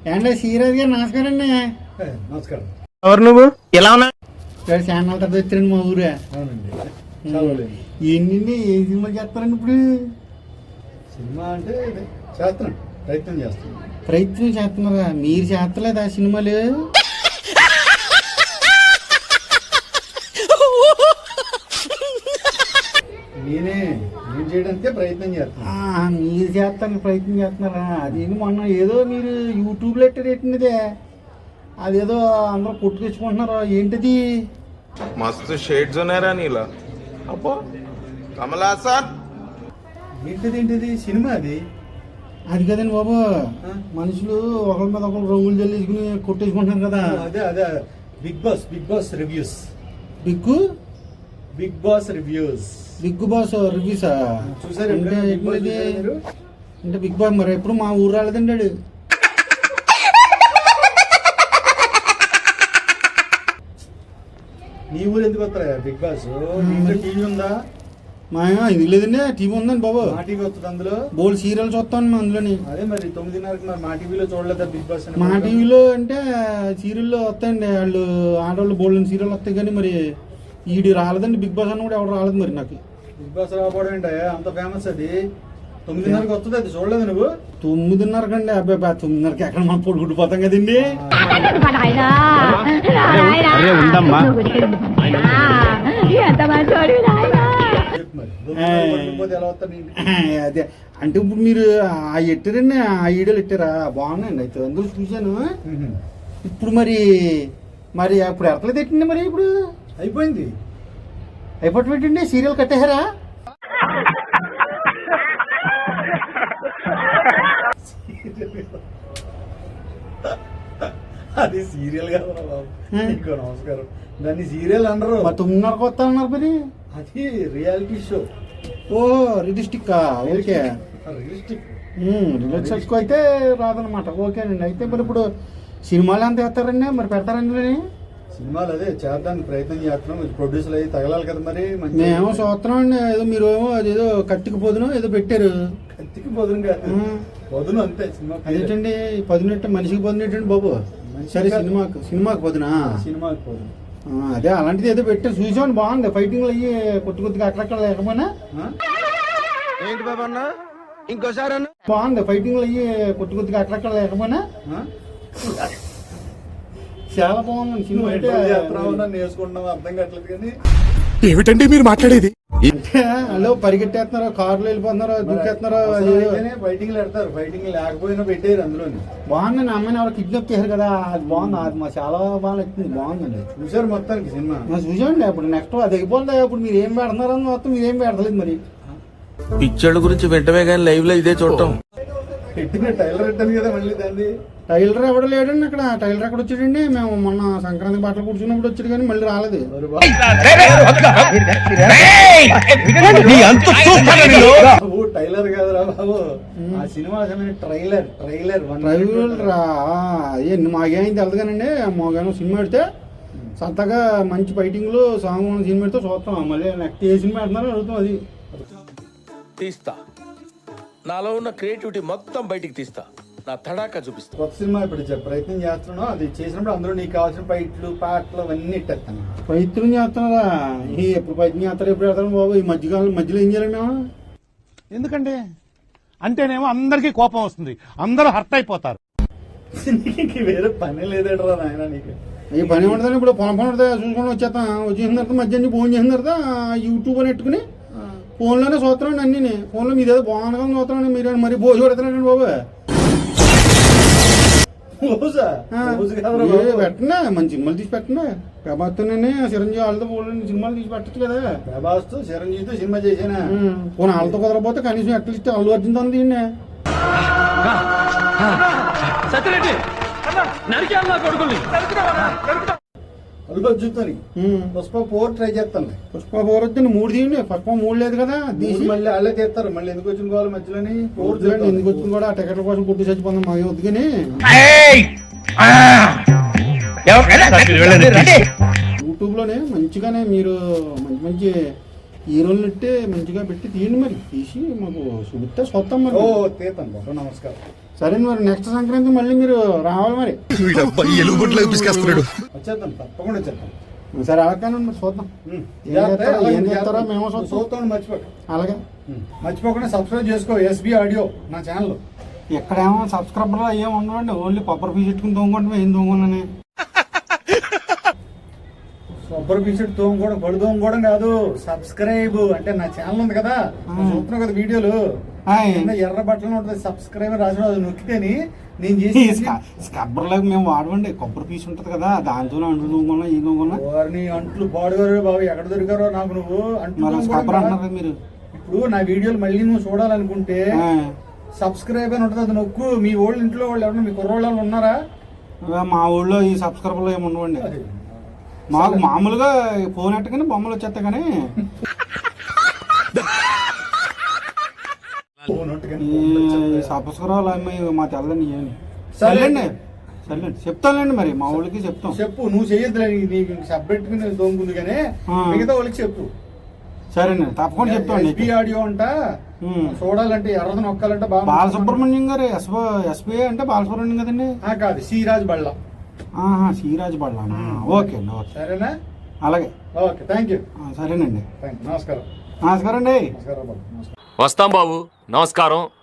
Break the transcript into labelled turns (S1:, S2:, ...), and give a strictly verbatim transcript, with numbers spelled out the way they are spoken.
S1: ఏంటో సీరియస్ గా నమస్కారం అండి.
S2: నమస్కారం.
S3: ఎవరు నువ్వు? ఎలా ఉన్నా?
S1: ఛానల్ తర్వాత వచ్చారండి మా ఊరే. ఏంటండి ఏ సినిమా చేస్తారండి ఇప్పుడు?
S2: సినిమా అంటే చేస్తున్నాం, ప్రయత్నం చేస్తున్నాం.
S1: ప్రయత్నం చేస్తున్నారా? మీరు చేస్తలేదా సినిమాలు?
S2: నేనే నేను చేయడానికే ప్రయత్నం చేస్తున్నా.
S1: మీరు చేస్తానికి ప్రయత్నం చేస్తున్నారా? అది మొన్న ఏదో మీరు యూట్యూబ్లో ఎట్టేటండిదే, అదేదో అందరూ కొట్టు తెచ్చుకుంటున్నారు. ఏంటిది?
S4: మస్తు షేడ్స్ ఉన్నారా నీలా? అబ్బో కమలా సార్.
S2: ఏంటిది ఏంటిది సినిమా? అది
S1: అది కదండి బాబు, మనుషులు ఒకరి మీద ఒకరు రంగులు జల్లేసుకుని కొట్టేసుకుంటున్నారు కదా.
S2: అదే అదే Bigg Boss Bigg Boss reviews.
S1: Bigg
S2: Bigg Boss reviews
S1: Bigg Boss రివ్యూసా?
S2: చూసారు
S1: అంటే అంటే బిగ్ బాస్ మరి ఎప్పుడు మా ఊరు రాలేదండి వాడు.
S2: నీ ఊరు ఎందుకు వస్తారా బిగ్ బాస్? టీవీ ఉందా?
S1: మా ఇది లేదండి, టీవీ ఉందండి బాబు.
S2: మా టీవీ వస్తుంది, అందులో
S1: బోల్డ్ సీరియల్ చూస్తాను అందులోని.
S2: అదే మరి తొమ్మిదిన్నరకి మరి మా టీవీలో చూడలేదా బిగ్ బాస్?
S1: మా టీవీలో అంటే సీరియల్లో వస్తాయండి, వాళ్ళు ఆడవాళ్ళు బోల్డ్ సీరియల్ వస్తాయి. కానీ మరి ఈడు రాలేదండి బిగ్ బాస్ అన్న కూడా ఎవరు రాలేదు మరి నాకు.
S2: బిగ్ బాస్ రాకపోవడం ఏంటో అంత ఫేమస్. అది తొమ్మిదిన్నరకి వస్తుంది, అది చూడలేదు నువ్వు?
S1: తొమ్మిదిన్నరకు అండి. అబ్బాయి తొమ్మిదిన్నరకి ఎక్కడ మనం పొడి గుడిపోతాం కదండి. అదే అంటే ఇప్పుడు మీరు ఆ ఎట్టారండి, ఆ ఈడలు ఎట్టారా? బాగున్నాయండి. అయితే అందరూ చూశాను. ఇప్పుడు మరి మరి అప్పుడు ఎట్లా తిట్టండి మరి? ఇప్పుడు
S2: అయిపోయింది.
S1: అయిపోయి పెట్టండి, సీరియల్ కట్టేశారా?
S2: అది సీరియల్ కాదు బాబు. ఇంకో నమస్కారం. దాన్ని సీరియల్ అనరు.
S1: తొమ్మిదిన్నరకు వస్తా అన్నారు మరి.
S2: అది reality show.
S1: Oh realistic. Okay,
S2: realistic
S1: realistic అయితే రాదనమాట. ఓకేనండి. అయితే మరి ఇప్పుడు సినిమాలు ఎంత వేస్తారండి మరి? పెడతారండి
S2: సినిమాలు? అదే చేద్దానికి ప్రయత్నం చేస్తున్నాం. ప్రొడ్యూసర్ అయ్యి తగలాలి కదా మరి.
S1: మేము చూస్తున్నాం అండి. ఏదో మీరు ఏమో అదేదో కత్తికి పోదును ఏదో పెట్టారు.
S2: కత్తికి పోదును కాదు, పొదును అంతే. సినిమా
S1: అదేంటండి పదునట్టు? మనిషికి పదునట్టండి బాబు. సరే సినిమాకు సినిమాకి పదునా?
S2: సినిమాకి పోదును.
S1: అదే అలాంటిది ఏదో పెట్టారు, చూసామండి. బాగుంది. ఫైటింగ్లు అయ్యి కొద్ది కొద్దిగా అక్కడక్కడ లేకపోయినా
S3: ఏంటి బాబు అన్న ఇంకోసారి
S1: బాగుంది. ఫైటింగ్లు అయ్యి కొద్ది కొద్దిగా అక్కడక్కడ లేకపోయినా చాలా బాగుంది సినిమా. అయితే
S2: నేర్చుకుంటున్నాం, అర్థం కావట్లేదు. కానీ
S3: ఏమిటండి మీరు మాట్లాడేది?
S1: అంటే హలో పరిగెట్టేస్తున్నారు, కార్లు వెళ్ళిపోతున్నారు, దూకేస్తున్నారు.
S2: ఫైటింగ్ పెడతారు, ఫైటింగ్ లేకపోయినా పెట్టారు అందులోని.
S1: బాగుందండి. అమ్మాయిని ఎవరు కిడ్నాప్ చేశారు కదా, అది బాగుంది. అది మా చాలా బాగా నచ్చింది. బాగుందండి.
S2: చూసారు మొత్తానికి సినిమా?
S1: చూసాండి. అప్పుడు నెక్స్ట్ అది అయిపోతుంది. అప్పుడు మీరు ఏం పెడుతున్నారని మొత్తం మీరు ఏం పెడతలేదు మరి.
S4: పిక్చర్ల గురించి వెంటనే కానీ లైవ్ లో ఇదే చూడటం.
S2: పెట్టిన టైలర్ పెట్టాను కదా మళ్ళీ దాన్ని.
S1: టైలర్ ఎవడు లేడండి అక్కడ. టైలర్ ఎక్కడ వచ్చాడండి? మేము మొన్న సంక్రాంతి బట్టలు కూర్చున్నప్పుడు వచ్చాడు కానీ మళ్ళీ రాలేదు.
S2: టైలర్ కాదురా బాబు, ఆ సినిమా ట్రైలర్. ట్రైలర్
S1: ట్రైలర్ రా. మాకేం తెలదు కానండి. మాకేమో సినిమా పెడితే సరదాగా మంచి ఫైటింగ్లు సాంగ్ ఉన్న సినిమా పెడితే చూస్తాం. మళ్ళీ నెక్స్ట్ ఏ సినిమా పెడుతున్నారో అడుగుతాం. అది
S5: తీస్తా, నాలో ఉన్న క్రియేటివిటీ మొత్తం బయటికి తీస్తా, నా తడాకా చూపిస్తా.
S2: కొత్త సినిమా ఇప్పుడు ప్రయత్నం చేస్తున్నావు. అది చేసినప్పుడు అందరూ నీకు కావాల్సిన ఫైట్లు పాటలు అవన్నీ ఇట్టేస్తాను.
S1: ప్రయత్నం చేస్తున్నారా? ఎప్పుడు ప్రయత్నం చేస్తారు, ఎప్పుడు పెడతాను బాబు? ఈ మధ్యకాలం మధ్యలో ఏం చేయాలి మేము?
S6: ఎందుకంటే అంటేనేమో అందరికీ కోపం వస్తుంది, అందరూ హర్ట్ అయిపోతారు.
S2: నీకు వేరే పని లేదేట్రా నాయన నీకు?
S1: ఈ పని ఉండదని ఇప్పుడు పొలం పని ఉంటుందా చూసుకొని వచ్చేస్తాం. వచ్చేసిన తర్వాత మధ్యాహ్నం ఫోన్ చేసిన తర్వాత యూట్యూబ్ అని పెట్టుకుని ఫోన్లోనే చూస్తున్నాండి. అన్నీ ఫోన్లో మీదేదో బాగుండగా చూస్తున్నాండి. మీరు మరి భోజు పెడతారండి బాబు. పెట్టండి, మంచి సినిమాలు తీసి పెట్టండి. ప్రభాస్తోనే చిరంజీవి వాళ్ళతో పోలండి సినిమాలు తీసి పెట్టచ్చు కదా.
S2: ప్రభాస్తో చిరంజీవితో సినిమా చేసానా?
S1: పోనీ వాళ్ళతో కుదరపోతే కనీసం అట్లీస్ట్ అల్లు అర్జున్ తో తీయండి.
S2: అల్లు అర్జున్తో పుష్ప ఫోర్ ట్రై చేస్తాను.
S1: పుష్ప ఫోర్ వచ్చింది మూడు తీయండి. పుష్ప మూడు లేదు కదా, తీసి
S2: మళ్ళీ వాళ్ళే తీస్తారు. మళ్ళీ ఎందుకు వచ్చిన కావాలి మధ్యలోని ఫోర్
S1: ఎందుకు వచ్చింది కూడా ఆ టికెట్ల కోసం పుట్టి చచ్చిపోతాం. మాకు వద్దు కానీ యూట్యూబ్ లోనే మంచిగానే మీరు మంచి మంచి హీరోలు ఇట్టే మంచిగా పెట్టి తీయండి మరి తీసి మాకు చూపిస్తే చూస్తాం మరి
S2: ఓ తీతాను బాబు, నమస్కారం.
S1: సరే మరి నెక్స్ట్ సంక్రాంతి మళ్ళీ మీరు రావాలి మరి
S2: వచ్చేద్దాం, తప్పకుండా వచ్చేద్దాం.
S1: సరే అలాగే మరి చూద్దాం
S2: ఉమ్.
S1: ఏం చేస్తారో, ఏం చేస్తారో మేము చూస్తాం.
S2: చూస్తాను, మర్చిపోక.
S1: అలాగే
S2: ఉమ్. మర్చిపోకుండా సబ్స్క్రైబ్ చేసుకో ఎస్బి ఆడియో నా ఛానల్.
S1: ఎక్కడేమో సబ్స్క్రైబర్లు ఏం ఉండవండి, ఓన్లీ కొబ్బరి పీస్ పెట్టుకుని తోముకుంటే ఏం తోముకున్నాను.
S2: కొబ్బరి పీసుడు తోముకోవడం, బడి తోముకోవడం కాదు, సబ్స్క్రైబ్ అంటే నా ఛానల్ ఉంది కదా, చూస్తున్నావు కదా వీడియోలు, కింద ఎర్ర బట్టలు ఉంటుంది సబ్స్క్రైబ్ రాసిన, అది నొక్కితేని నేను చేసి
S1: స్క్రబ్బర్లకు మేము వాడవండి, కొబ్బరి పీస్ ఉంటుంది కదా దాంతో అంట్లు తోముకున్నా ఏం తోముకున్నా.
S2: వారిని అంట్లు పాడుగారు బాబు, ఎక్కడ దొరికారో నాకు నువ్వు అంట్లు
S1: స్క్రబ్బర్
S2: తోముకోవడం
S1: అంటారు మీరు.
S2: ఇప్పుడు నా వీడియోలు మళ్ళీ నువ్వు చూడాలనుకుంటే సబ్స్క్రైబ్ అని ఉంటుంది, అది నొక్కు. మీ ఓళ్ళు ఇంట్లో వాళ్ళు ఎవరన్నా మీ కుర్రోళ్ళు ఉన్నారా?
S1: మా ఊళ్ళో ఈ సబ్స్క్రైబర్లు ఏమి ఉండవండి. మాకు మామూలుగా ఫోన్ ఎట్టగానే బొమ్మలు వచ్చేస్తాయి కానీ ఈ సబ్స్క్రైబర్లు అమ్మాయి మా తెల్లని ఏమి. సర్లేండి సర్లేండి చెప్తానులేండి మరి మా ఊళ్ళకి చెప్తాం.
S2: చెప్పు, నువ్వు చేయొద్దులే, నీకు సబ్జెక్ట్ తోముకుంది కానీ మిగతా వాళ్ళకి చెప్పు.
S1: సరేనండి తప్పకుండా చెప్తాండి.
S2: ఎస్బి ఆడియో అంట చూడాలంటే ఎర్రది నొక్కాలంటే బాగా.
S1: బాలసుబ్రహ్మణ్యం గారు ఎస్బో ఎస్బీఐ అంటే బాలసుబ్రహ్మణ్యం కదండి.
S2: ఆ, కాదు, సిరాజ్ బళ్ళ.
S1: ఆహా సిరాజ్ బళ్ళానా, ఓకే అండి ఓకే.
S2: సరేనా?
S1: అలాగే
S2: ఓకే, థ్యాంక్ యూ.
S1: సరేనండి
S2: థ్యాంక్ యూ, నమస్కారం.
S1: నమస్కారం అండి.
S2: నమస్కారం బాబు, నమస్కారం.
S7: వస్తాం బాబు, నమస్కారం.